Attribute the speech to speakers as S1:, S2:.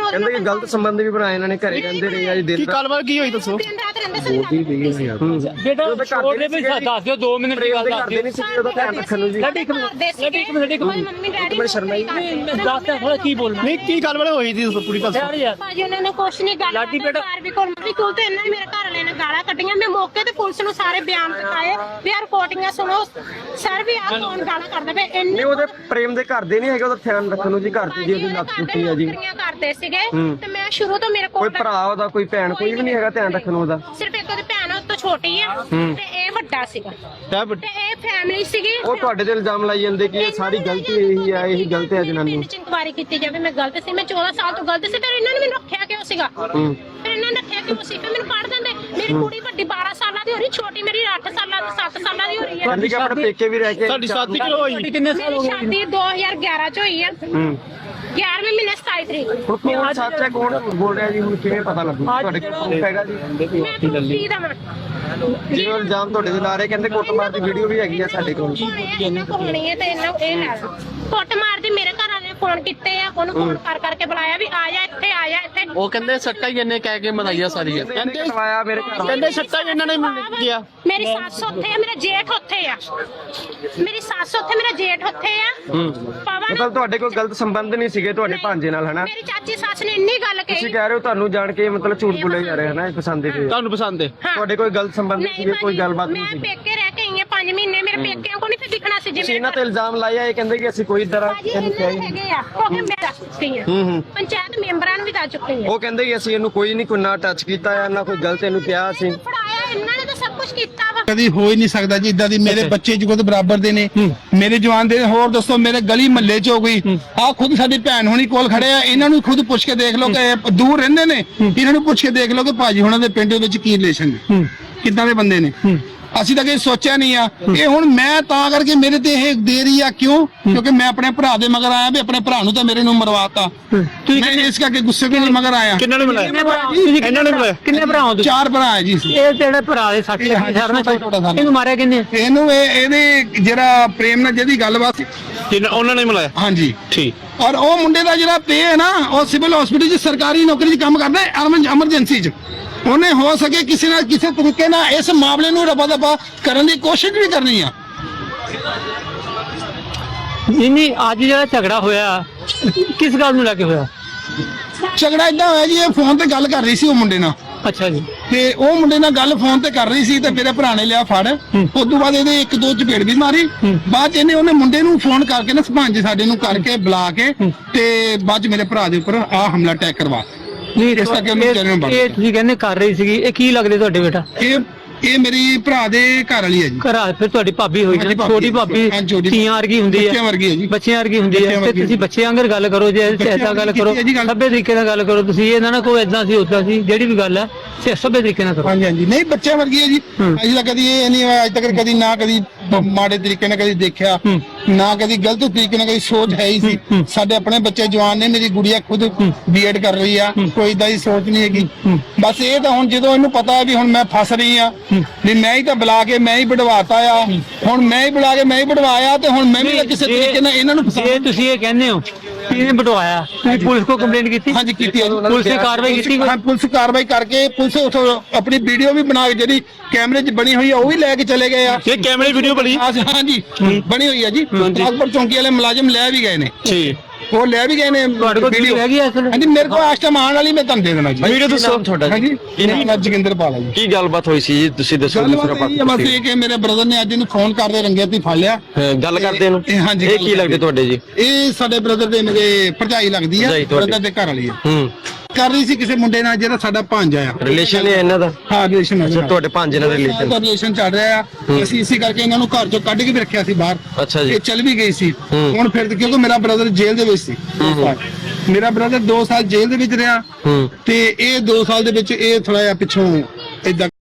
S1: ਕਹਿੰਦੇ ਕਿ ਗਲਤ ਸੰਬੰਧ ਵੀ ਬਣਾਏ ਇਹਨਾਂ ਨੇ ਘਰੇ ਕਹਿੰਦੇ ਰਹੇ ਆ ਜੀ ਦਿਨ
S2: ਕੀ ਗੱਲਬਾਤ ਕੀ ਹੋਈ ਦੱਸੋ
S3: ਬੇਟਾ ਛੋੜ ਦੇ ਵੀ ਦੱਸ ਦਿਓ 2 ਮਿੰਟ ਦੀ ਗੱਲ ਦੱਸ ਦਿਓ
S1: ਨਹੀਂ ਸੀ ਉਹਦਾ ਧਿਆਨ ਰੱਖਣ ਨੂੰ ਜੀ
S3: ਮੰਮੀ ਡੈਡੀ ਸ਼ਰਮਾਈ ਦੱਸ ਥੋੜਾ ਕੀ ਬੋਲਣਾ
S2: ਨਹੀਂ ਕੀ ਗੱਲਬਾਤ ਹੋਈ ਸੀ ਦੱਸੋ ਪੂਰੀ ਗੱਲ
S3: ਯਾਰ
S4: ਭਾਜੀ ਉਹਨਾਂ ਨੇ ਕੁਛ ਨਹੀਂ ਗੱਲ
S3: ਲਾਡੀ ਬੇਟਾ
S4: ਵੀ ਕੋਲ ਤੇ ਇਹਨਾਂ ਨੇ ਮੇਰੇ ਘਰ ਵਾਲੇ ਨੇ ਗਾਲਾਂ ਕੱਢੀਆਂ ਮੈਂ ਮੌਕੇ ਤੇ ਪੁਲਿਸ ਨੂੰ ਸਾਰੇ ਬਿਆਨ ਦਿਖਾਏ ਵੀ ਆ ਰਿਪੋਰਟਿੰਗਾਂ ਸੁਣੋ ਸਰ ਵੀ ਆ ਕੌਣ ਗਾਲਾਂ ਕਰਦਾ ਵੇ ਇੰਨੇ
S1: ਨਹੀਂ ਉਹਦੇ ਪ੍ਰੇਮ ਦੇ ਘਰ ਦੇ ਨਹੀਂ ਹੈਗੇ ਉਹਦਾ ਧਿਆਨ ਰੱਖਣ ਨੂੰ ਜੀ ਘਰ ਦੀ ਜੀ ਉਹਦੀ ਲੱਤ ਟੁੱਟੀ ਆ ਜੀ
S4: ਕਰਦੇ ਸੀਗੇ ਤੇ ਮੈਂ ਸ਼ੁਰੂ ਤੋਂ ਮੇਰੇ
S1: ਕੋਈ
S4: ਕੋਲ
S1: ਭਰਾ ਉਹਦਾ ਕੋਈ ਭੈਣ ਕੋਈ ਵੀ ਨਹੀਂ ਹੈਗਾ ਧਿਆਨ ਰੱਖਣ ਨੂੰ ਉਹਦਾ
S4: ਸਿਰਫ ਇੱਕ ਉਹਦੀ ਭੈਣ ਉਹ ਤੋਂ ਛੋਟੀ ਆ ਤੇ ਇਹ ਵੱਡਾ ਸੀਗਾ ਤੇ ਇਹ ਫੈਮਿਲੀ ਸੀਗੀ
S1: ਉਹ ਤੁਹਾਡੇ ਤੇ ਇਲਜ਼ਾਮ ਲਾਈ ਜਾਂਦੇ ਕਿ ਇਹ ਸਾਰੀ ਗਲਤੀ ਇਹੀ ਆ ਇਹੀ ਗਲਤ ਹੈ ਜਨਾਨੀ
S4: ਪਿੰਡ ਚ ਇਨਕੁਆਇਰੀ ਕੀਤੀ ਜਾਵੇ ਮੈਂ ਗਲਤ ਸੀ ਮੈਂ 14 ਸਾਲ ਤੋਂ ਗਲਤ ਸੀ ਫਿਰ ਇਹਨਾਂ ਨੇ ਮੈਨੂੰ ਰੱਖਿਆ ਕਿਉਂ ਸੀਗਾ ਫਿਰ ਇਹਨਾਂ ਨੇ ਰੱਖਿਆ ਕਿਉਂ ਸੀ ਫਿਰ ਮੈਨੂੰ ਪੜ ਦਿੰਦੇ ਮੇਰੀ ਕੁੜੀ ਵੱਡੀ 12 ਸਾਲਾਂ ਦੀ ਹੋ ਰਹੀ ਛੋਟੀ ਮੇਰੀ 8 ਸਾਲਾਂ ਦੀ 7 ਸਾਲਾਂ ਦੀ ਹੋ ਰਹੀ ਹੈ
S1: ਕਹਿੰਦੀ ਕਿ ਆਪਣੇ ਪੇਕੇ ਵੀ ਰਹਿ ਕੇ
S2: ਸਾਡੀ ਸ਼ਾਦੀ ਕਿਉਂ ਹੋਈ
S3: ਕਿੰਨੇ ਸਾਲ ਹੋ
S4: ਮੇਰੀ
S3: ਗਏ
S4: ਸ਼ਾਦੀ 2011 ਚ ਹੋਈ ਆ 11ਵੇਂ ਮਹੀਨੇ 27 ਤਰੀਕ ਨੂੰ।
S1: ਹੁਣ ਕੌਣ ਸੱਚ ਹੈ ਕੌਣ ਬੋਲ ਰਿਹਾ ਜੀ ਹੁਣ ਕਿਵੇਂ ਪਤਾ ਲੱਗੂ ਤੁਹਾਡੇ ਕੋਲ ਪ੍ਰੂਫ ਹੈਗਾ ਜੀ
S4: ਮੈਂ ਕੀ ਦਵਾਂ
S1: ਜਿਵੇਂ ਇਲਜ਼ਾਮ ਤੁਹਾਡੇ ਤੇ ਲਾ ਰਹੇ ਕਹਿੰਦੇ ਕੁੱਟਮਾਰ ਦੀ ਵੀਡੀਓ ਵੀ ਹੈਗੀ ਆ ਸਾਡੇ ਕੋਲ
S4: ਇਹਨਾਂ ਕੋਲ ਹੋਣੀ ਹੈ ਤੇ ਇਹਨਾਂ ਇਹ ਲੈ ਕੁੱਟ ਮਾਰਦੀ ਮੇਰੇ ਘਰ ਵਾਲੇ ਫੋਨ ਕੀਤੇ ਆ ਉਹਨੂੰ ਫੋਨ ਕਰਕੇ ਬੁਲਾਇਆ ਵੀ ਆ ਜਾ ਇੱਥੇ
S2: ਉਹ ਕਹਿੰਦੇ ਸੱਟਾ ਹੀ ਇਹਨੇ ਕਹਿ ਕੇ ਮਨਾਈਆ ਸਾਰੀਆਂ
S1: ਕਹਿੰਦੇ ਕਰਵਾਇਆ ਮੇਰੇ ਘਰ
S2: ਕਹਿੰਦੇ ਸੱਟਾ ਹੀ ਇਹਨਾਂ ਨੇ ਗਿਆ
S4: ਮੇਰੀ ਸੱਸ ਉੱਥੇ ਆ ਮੇਰਾ ਜੇਠ ਉੱਥੇ ਆ ਮੇਰੀ ਸੱਸ ਉੱਥੇ ਮੇਰਾ ਜੇਠ ਉੱਥੇ ਆ ਪਵਨ
S1: ਮਤਲਬ ਤੁਹਾਡੇ ਕੋਈ ਗਲਤ ਸੰਬੰਧ ਨਹੀਂ ਸੀਗੇ ਤੁਹਾਡੇ ਭਾਂਜੇ ਨਾਲ ਹਨਾ
S4: ਮੇਰੀ ਚਾਚੀ ਸੱਸ ਨੇ ਇੰਨੀ ਗੱਲ
S1: ਤੁਸੀਂ
S4: ਕਹੀ
S1: ਕਹਿ ਰਹੇ ਹੋ ਤੁਹਾਨੂੰ ਜਾਣ ਕੇ ਮਤਲਬ ਝੂਠ ਬੋਲੇ ਜਾ ਰਹੇ ਹਨਾ ਪਸੰਦ ਦੇ
S2: ਤੁਹਾਨੂੰ ਪਸੰਦ ਹੈ
S1: ਤੁਹਾਡੇ ਕੋਈ ਗਲਤ ਸੰਬੰਧ ਨਹੀਂ ਸੀਗੇ ਕੋਈ ਗੱਲਬਾਤ ਨਹੀਂ
S4: ਮੈਂ
S1: ਸੀ
S4: ਪੇਕੇ ਰਹਿ ਕੇ ਆਈ ਆ 5 ਮਹੀਨੇ ਮੇਰੇ ਪੇਕਿਆਂ ਕੋਲ ਨਹੀਂ ਫਿਰ ਦਿਖਣਾ ਸੀ
S1: ਤੁਸੀਂ ਇਹਨਾਂ ਤੇ ਇਲਜ਼ਾਮ ਲਾਇਆ ਇਹ ਕਹਿੰਦੇ ਕਿ ਅਸੀਂ ਕੋਈ ਤਰ੍ਹਾਂ ਇਹਨੂੰ ਕਿਹਾ ਹੀ ਨਹੀਂ
S4: ਹੈਗੇ ਆ ਉਹ ਕਿ ਮੈਂ ਦੱਸ ਚੁੱਕੀ ਆ ਪੰਚਾਇਤ ਮੈਂਬਰਾਂ ਨੂੰ ਵੀ ਦੱਸ ਚੁੱਕੀ ਆ
S1: ਉਹ ਕਹਿੰਦੇ ਕਿ ਅਸੀਂ ਇਹਨੂੰ ਕੋਈ ਨਹੀਂ ਕੋਈ ਨਾ ਟੱਚ ਕੀਤਾ ਜਾਂ ਨਾ ਕੋਈ ਗਲਤ ਇਹਨੂੰ ਕਿਹਾ ਸੀ
S4: ਫੜਾਇਆ ਇਹਨਾਂ ਨੇ ਤਾਂ ਸਭ ਕੁਝ ਕੀਤਾ ਵਾ
S5: ਕਦੀ ਹੋ ਹੀ ਨਹੀਂ ਸਕਦਾ ਜੀ ਇਦਾਂ ਦੀ ਮੇਰੇ ਬੱਚੇ ਜੁਗੋ ਦੇ ਬਰਾਬਰ ਦੇ ਨੇ ਮੇਰੇ ਜਵਾਨ ਦੇ ਹੋਰ ਦੋਸਤੋ ਮੇਰੇ ਗਲੀ ਮਹੱਲੇ ਚ ਹੋ ਗਈ ਆ ਖੁਦ ਸਾਡੀ ਭੈਣ ਹੋਣੀ ਕੋਲ ਖੜੇ ਆ ਇਹਨਾਂ ਨੂੰ ਖੁਦ ਪੁੱਛ ਕੇ ਦੇਖ ਲਓ ਕਿ ਇਹ ਦੂਰ ਰਹਿੰਦੇ ਨੇ ਇਹਨਾਂ ਨੂੰ ਪੁੱਛ ਕੇ ਦੇਖ ਲਓ ਕਿ ਭਾਜੀ ਹੁਣਾਂ ਦੇ ਪਿੰਡ ਵਿੱਚ ਕੀ ਰਿਲੇਸ਼ਨ ਨੇ ਕਿੱਦਾਂ ਦੇ ਬੰਦੇ ਨੇ ਅਸੀਂ ਤਾਂ ਕਦੇ ਸੋਚਿਆ ਨਹੀਂ ਆ ਇਹ ਹੁਣ ਮੈਂ ਤਾਂ ਕਰਕੇ ਮੇਰੇ ਤੇ ਇਹ ਦੇ ਰਹੀ ਆ ਕਿਉਂ ਕਿਉਂਕਿ ਮੈਂ ਆਪਣੇ ਭਰਾ ਦੇ ਮਗਰ ਆਇਆ ਵੀ ਆਪਣੇ ਭਰਾ ਨੂੰ ਤਾਂ ਮੇਰੇ ਨੂੰ ਮਰਵਾਤਾ ਮੈਂ ਇਸ ਕਰਕੇ ਗੁੱਸੇ ਦੇ ਮਗਰ ਆਇਆ
S2: ਕਿੰਨਾਂ ਨੇ ਮਿਲਾਇਆ ਇਹਨਾਂ ਨੇ ਮਿਲਾਇਆ
S3: ਕਿੰਨੇ ਭਰਾ ਹੋ ਤੁਸੀਂ
S5: 4 ਭਰਾ ਹੈ ਜੀ
S3: ਇਹ ਜਿਹੜੇ ਭਰਾ ਦੇ 60 ਇਹਨੂੰ ਮਾਰਿਆ ਕਿੰਨੇ
S5: ਇਹਨੂੰ ਇਹਦੇ ਜਿਹੜਾ ਪ੍ਰੇਮ ਨਾਲ ਜਿਹਦੀ ਗੱਲਬਾਤ ਸੀ
S2: ਉਹਨਾਂ ਨੇ ਮਿਲਾਇਆ
S5: ਹਾਂਜੀ
S2: ਠੀਕ
S5: ਔਰ ਉਹ ਮੁੰਡੇ ਦਾ ਜਿਹੜਾ ਪੇ ਹੈ ਨਾ ਉਹ ਸਿਵਲ ਹਸਪੀਟਲ 'ਚ ਸਰਕਾਰੀ ਨੌਕਰੀ 'ਚ ਕੰਮ ਕਰਦਾ ਹੈ ਐਮਰਜੈਂਸੀ 'ਚ ਉਹਨੇ ਹੋ ਸਕੇ ਕਿਸੇ ਨਾ ਕਿਸੇ ਤਰੀਕੇ ਨਾਲ ਇਸ ਮਾਮਲੇ ਨੂੰ ਰਫਾ ਦਫਾ ਕਰਨ ਦੀ ਕੋਸ਼ਿਸ਼ ਵੀ ਕਰਨੀ ਆ
S3: ਨਹੀਂ ਅੱਜ ਜਿਹੜਾ ਝਗੜਾ ਹੋਇਆ ਕਿਸ ਗੱਲ ਨੂੰ ਲੈ ਕੇ ਹੋਇਆ
S5: ਝਗੜਾ ਇਦਾਂ ਹੋਇਆ ਜੀ ਇਹ ਫੋਨ ਤੇ ਗੱਲ ਕਰ ਰਹੀ ਸੀ ਉਹ ਮੁੰਡੇ ਨਾਲ
S3: ਅੱਛਾ ਜੀ
S5: ਤੇ ਉਹ ਮੁੰਡੇ ਨਾਲ ਗੱਲ ਫੋਨ ਤੇ ਕਰ ਰਹੀ ਸੀ ਤੇ ਮੇਰੇ ਭਰਾ ਨੇ ਲਿਆ ਫੜ ਉਸ ਤੋਂ ਬਾਅਦ ਇਹਦੇ 1-2 ਚਪੇੜ ਵੀ ਮਾਰੀ ਬਾਅਦ ਚ ਉਹਨੇ ਮੁੰਡੇ ਨੂੰ ਫੋਨ ਕਰਕੇ ਨਾ ਸਰਪੰਚ ਸਾਡੇ ਨੂੰ ਕਰਕੇ ਬੁਲਾ ਕੇ ਤੇ ਬਾਅਦ ਚ ਮੇਰੇ ਭਰਾ ਦੇ ਉੱਪਰ ਆ ਹਮਲਾ ਅਟੈਕ ਕਰਵਾ
S3: ਨਹੀਂ
S5: ਇਸ ਕਰਕੇ ਉਹਨੂੰ ਵਿਚਾਰੇ ਨੂੰ
S3: ਇਹ ਤੁਸੀਂ ਕਹਿੰਦੇ ਕਰ ਰਹੀ ਸੀਗੀ ਇਹ ਕੀ ਲੱਗਦੇ ਤੁਹਾਡੇ ਬੇਟਾ
S5: ਇਹ ਮੇਰੀ ਭਰਾ ਦੇ ਘਰ ਵਾਲੀ ਹੈ ਜੀ
S3: ਘਰ ਫਿਰ ਤੁਹਾਡੀ ਭਾਬੀ ਹੋਈ
S5: ਹਾਂਜੀ,
S3: ਨਾ ਛੋਟੀ ਭਾਬੀ
S5: ਹਾਂਜੀ, ਛੋਟੀ
S3: ਧੀਆਂ ਵਰਗੀ ਹੁੰਦੀ
S5: ਬੱਚਿਆਂ ਵਰਗੀ ਹੈ ਜੀ
S3: ਬੱਚਿਆਂ ਵਰਗੀ ਹੁੰਦੀ ਹੈ ਤੇ ਤੁਸੀਂ ਬੱਚਿਆਂ ਵਾਂਗਰ ਗੱਲ ਕਰੋ ਜੇ ਐਸਾ ਗੱਲ ਕਰੋ ਸਭੇ ਤਰੀਕੇ ਨਾਲ ਗੱਲ ਕਰੋ ਤੁਸੀਂ ਇਹ ਨਾ ਕੋਈ ਏਦਾਂ ਸੀ ਉਦਾਂ ਸੀ ਜਿਹੜੀ ਵੀ ਗੱਲ ਹੈ ਸਭੇ ਤਰੀਕੇ ਨਾਲ ਕਰੋ
S5: ਹਾਂਜੀ ਨਹੀਂ ਬੱਚਿਆਂ ਵਰਗੀ ਹੈ ਜੀ ਅਜੇ ਤੱਕ ਕਦੀ ਇਹ ਨਹੀਂ ਹੋਇਆ ਅੱਜ ਤੱਕ ਕਦੀ ਨਾ ਕਦੀ ਮਾੜੇ ਤਰੀਕੇ ਨਾਲ ਕਦੀ ਦੇਖਿਆ ਨਾ ਕਦੀ ਗਲਤ ਤਰੀਕੇ ਨਾਲ ਕਦੀ ਸੋਚ ਹੈ ਹੀ ਸੀ ਸਾਡੇ ਆਪਣੇ ਬੱਚੇ ਜਵਾਨ ਨੇ ਮੇਰੀ ਗੁੜੀਆ ਖੁਦ ਬੀਐਡ ਕਰ ਰਹੀ ਆ ਕੋਈ ਇਦਾਂ ਦੀ ਸੋਚ ਨਹੀਂ ਹੈਗੀ ਬਸ ਇਹ ਤਾਂ ਹੁਣ ਜਦੋਂ ਇਹਨੂੰ ਪਤਾ ਹੈ ਵੀ ਹੁਣ ਮੈਂ ਫਸ ਰਹੀ ਆ ਵੀ ਮੈਂ ਹੀ ਤਾਂ ਬੁਲਾ ਕੇ ਮੈਂ ਹੀ ਵਡਵਾਤਾ ਆ ਹੁਣ ਮੈਂ ਹੀ ਬੁਲਾ ਕੇ ਮੈਂ ਹੀ ਵਡਵਾਇਆ ਤੇ ਹੁਣ ਮੈਂ ਵੀ ਕਿਸੇ ਤਰੀਕੇ ਨਾਲ ਇਹਨਾਂ ਨੂੰ
S3: ਜੇ ਤੁਸੀਂ ਇਹ ਕਹਿੰਦੇ ਹੋ ਕਿ ਇਹਨੇ ਵਡਵਾਇਆ ਤੁਸੀਂ ਪੁਲਿਸ ਕੋ ਕੰਪਲੇਂਟ ਕੀਤੀ
S5: ਹਾਂਜੀ ਕੀਤੀ ਹੈ
S3: ਪੁਲਿਸ ਨੇ ਕਾਰਵਾਈ ਕੀਤੀ
S5: ਹਾਂ ਪੁਲਿਸ ਕਾਰਵਾਈ ਕਰਕੇ ਪੁਲਿਸ ਉਥੋਂ ਆਪਣੀ ਵੀਡੀਓ ਵੀ ਬਣਾ ਕੇ ਜਿਹੜੀ ਕੈਮਰੇ 'ਚ ਬਣੀ ਹੋਈ ਆ ਉਹ ਵੀ ਲੈ ਕੇ ਚਲੇ ਗਏ ਆ
S2: ਇਹ ਕੈਮਰੇ ਵੀਡੀਓ ਬਣੀ
S5: ਹਾਂਜੀ ਬਣੀ ਹੋਈ ਆ ਜੀ ਅਕਬਰ ਚੌਂਕੀ ਵਾਲੇ ਮੁਲਾਜ਼ਮ ਲੈ ਵੀ ਗਏ ਨੇ
S2: ਠੀਕ
S5: ਉਹ ਲੈ ਵੀ ਗਏ ਨੇ
S3: ਤੁਹਾਡੇ ਕੋਲ ਵੀਡੀਓ ਹੈਗੀ ਐ
S5: ਹਾਂਜੀ ਮੇਰੇ ਕੋਲ ਇਸ ਟਾਈਮ ਆਉਣ ਵਾਲੀ ਮੈਂ ਤੁਹਾਨੂੰ ਦੇ ਦੇਣਾ ਜੀ
S2: ਵੀਡੀਓ ਦੱਸੋ ਤੁਹਾਡਾ
S5: ਹਾਂਜੀ ਇਹਨਾਂ ਜੋਗਿੰਦਰ ਪਾਲਾ ਜੀ
S1: ਕੀ ਗੱਲਬਾਤ ਹੋਈ ਸੀ ਜੀ ਤੁਸੀਂ ਦੱਸੋ
S5: ਬਸ ਇਹ ਕਿ ਮੇਰੇ ਬ੍ਰਦਰ ਨੇ ਅੱਜ ਇਹਨੂੰ ਫੋਨ ਕਰਦੇ ਰੰਗੇ ਹੱਥੀਂ ਫੜ ਲਿਆ
S1: ਗੱਲ ਕਰਦੇ ਨੂੰ
S5: ਹਾਂਜੀ
S1: ਇਹ ਕੀ ਲੱਗਦੇ ਤੁਹਾਡੇ ਜੀ
S5: ਇਹ ਸਾਡੇ ਬ੍ਰਦਰ ਦੇ ਮੇਰੇ ਭਰਜਾਈ ਲੱਗਦੀ ਆ ਬ੍ਰਦਰ ਦੇ ਘਰ ਵਾਲੀ ਆ ਕਰ ਰਹੀ ਸੀ ਕਿਸੇ ਮੁੰਡੇ ਨਾਲ ਜਿਹੜਾ ਸਾਡਾ ਭਾਂਜਾ ਆ
S1: ਰਿਲੇਸ਼ਨ ਹੈ ਇਹਨਾਂ ਦਾ
S5: ਹਾਂ ਰਿਲੇਸ਼ਨ ਹੈ
S1: ਤੁਹਾਡੇ ਭਾਂਜੇ ਨਾਲ
S5: ਰਿਲੇਸ਼ਨ ਚੱਲ ਰਿਹਾ ਆ ਅਸੀਂ ਇਸੇ ਕਰਕੇ ਇਹਨਾਂ ਨੂੰ ਘਰ ਚੋਂ ਕੱਢ ਕੇ ਵੀ ਰੱਖਿਆ ਸੀ ਬਾਹਰ
S1: ਅੱਛਾ ਜੀ
S5: ਇਹ ਚੱਲ ਵੀ ਗਈ ਸੀ ਹੁਣ ਫਿਰ ਕਿਉਂਕਿ ਮੇਰਾ ਬ੍ਰਦਰ ਜੇਲ੍ਹ ਦੇ ਵਿੱਚ ਸੀ ਮੇਰਾ ਬ੍ਰਦਰ 2 ਸਾਲ ਜੇਲ੍ਹ ਦੇ ਵਿੱਚ ਰਿਹਾ ਤੇ ਇਹ 2 ਸਾਲ ਦੇ ਵਿੱਚ ਇਹ ਥੋੜਾ ਜਿਹਾ ਪਿੱਛੋਂ ਏਦਾਂ